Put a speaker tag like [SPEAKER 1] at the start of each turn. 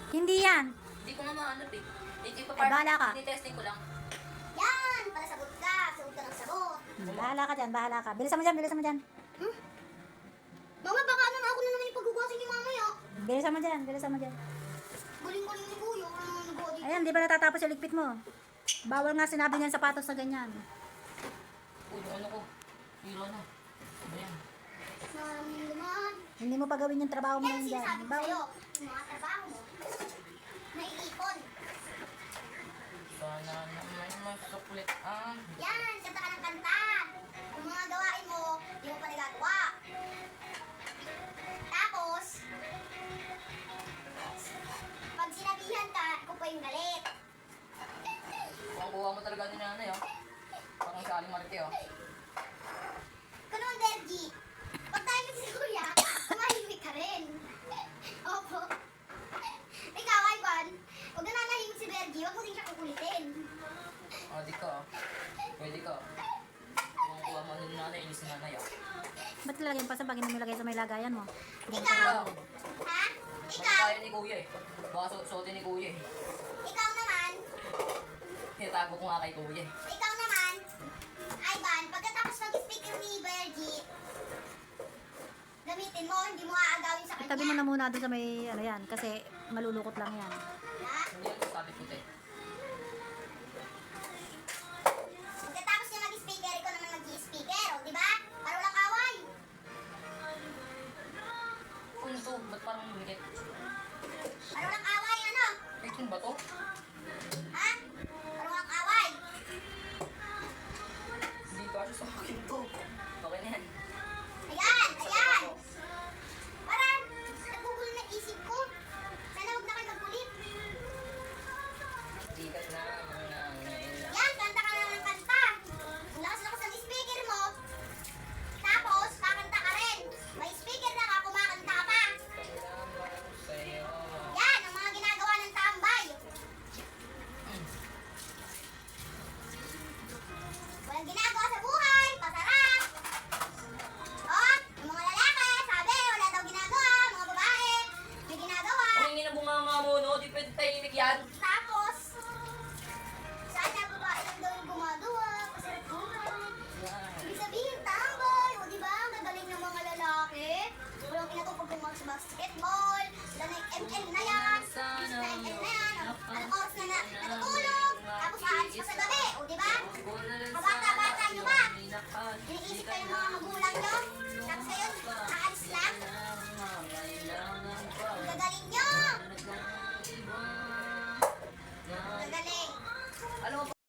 [SPEAKER 1] Hindi yan.
[SPEAKER 2] Hindi ko nga mahanap eh. Hindi pa
[SPEAKER 1] Ay, bahala ka.
[SPEAKER 2] Tinitesting ko lang.
[SPEAKER 3] Yan! Para sagot ka. Sagot ka ng sagot.
[SPEAKER 1] Bahala ka dyan, bahala ka. Bilisan mo dyan, bilisan mo dyan.
[SPEAKER 3] Mama, baka ano na ako na naman yung paghugasin ni mamaya.
[SPEAKER 1] Bilisan mo dyan, bilisan mo dyan.
[SPEAKER 3] Galing-galing ni Kuya. Ano nagawa dito?
[SPEAKER 1] Ayan, di ba natatapos yung ligpit mo? Bawal nga sinabi niyan sapatos na ganyan.
[SPEAKER 2] Uy, yung ano ko. Hero na. Ayan.
[SPEAKER 3] Maraming naman.
[SPEAKER 1] Hindi mo pa gawin yung trabaho mo
[SPEAKER 3] Yan
[SPEAKER 1] yun dyan.
[SPEAKER 3] sinasabi ko
[SPEAKER 1] Bawal.
[SPEAKER 3] sa'yo. Yung mga trabaho mo. Naiipon.
[SPEAKER 2] Sana naman masuklit ang...
[SPEAKER 3] Yan! Kanta ka ng kanta. Yung mga gawain mo, di mo pa nagagawa. Tapos, pag sinabihan ka, ako pa yung galit.
[SPEAKER 2] Kung kuha mo talaga ni nanay, oh. Parang sa aling marite, oh.
[SPEAKER 3] Kunong Dergi, pag tayo si Kuya, tumahimik ka rin. Opo. Ikaw, Ivan, huwag na nanahimik si Bergie, huwag mo din siya kukulitin.
[SPEAKER 2] Ah, di ka, oh. Pwede ka, oh. Kung kuha mo ni nanay, inis ni nanay, oh.
[SPEAKER 1] Ba't lalagyan pa sa bagay na nilagay sa may lagayan mo?
[SPEAKER 3] Ikaw, ha?
[SPEAKER 2] Baka
[SPEAKER 3] Ikaw,
[SPEAKER 2] kaya ni kuya, eh. Baka suotin ni kuya, eh.
[SPEAKER 3] ikaw naman,
[SPEAKER 2] Tinatago ko nga kay kuya, eh.
[SPEAKER 3] ikaw naman, Ivan, pagkatapos mag-speaker ni Bergie, gamitin mo, hindi mo aagawin sa
[SPEAKER 1] Itabi mo
[SPEAKER 3] kanya.
[SPEAKER 1] na muna doon sa may ano yan, kasi malulukot lang yan.
[SPEAKER 3] Ha?
[SPEAKER 2] Hindi yan sabi ko, eh.
[SPEAKER 3] Pagkatapos niya mag-speaker, ikaw naman mag-speaker, o di ba? Para walang away.
[SPEAKER 2] Kung ito, ba't parang lumikit?
[SPEAKER 3] Para walang away, ano?
[SPEAKER 2] Eh, kung ba to?
[SPEAKER 3] Ha? Para walang away.
[SPEAKER 2] Hindi ba siya sa akin to? Okay na yan.
[SPEAKER 3] Ayan, ayan. Parang nagugulo na isip ko. Sana huwag na kayo magkulit.
[SPEAKER 2] Tikas na,
[SPEAKER 3] Yan, kanta ka na ng kanta. Ang lakas-lakas ng speaker mo. Tapos, kakanta ka rin. May speaker na ka, kumakanta ka pa.
[SPEAKER 2] Salamat sa'yo.
[SPEAKER 3] Yan, ang mga ginagawa ng tambay. Walang ginagawa sa buhay, pasarap. Oh, yung mga lalaki, sabi, wala daw ginagawa. Mga babae, may ginagawa.
[SPEAKER 2] Kung hindi na bunganga mo, no? Di pwede tahimik yan.
[SPEAKER 3] Tapos, sana babae lang daw yung gumagawa, pasarap buhay.
[SPEAKER 2] Yan.
[SPEAKER 3] Ibig sabihin, tambay. O, di ba? Ang gagaling ng mga lalaki. Walang pinatupag kung mag-basketball. Wala na yung ML na yan. Is na ML na yan. Anong oras na natutulog. Tapos aalis pa sa gabi. O, di ba? Mabata-bata nyo ba? Iniisip kayo ng mga magulang nyo. Tapos ngayon,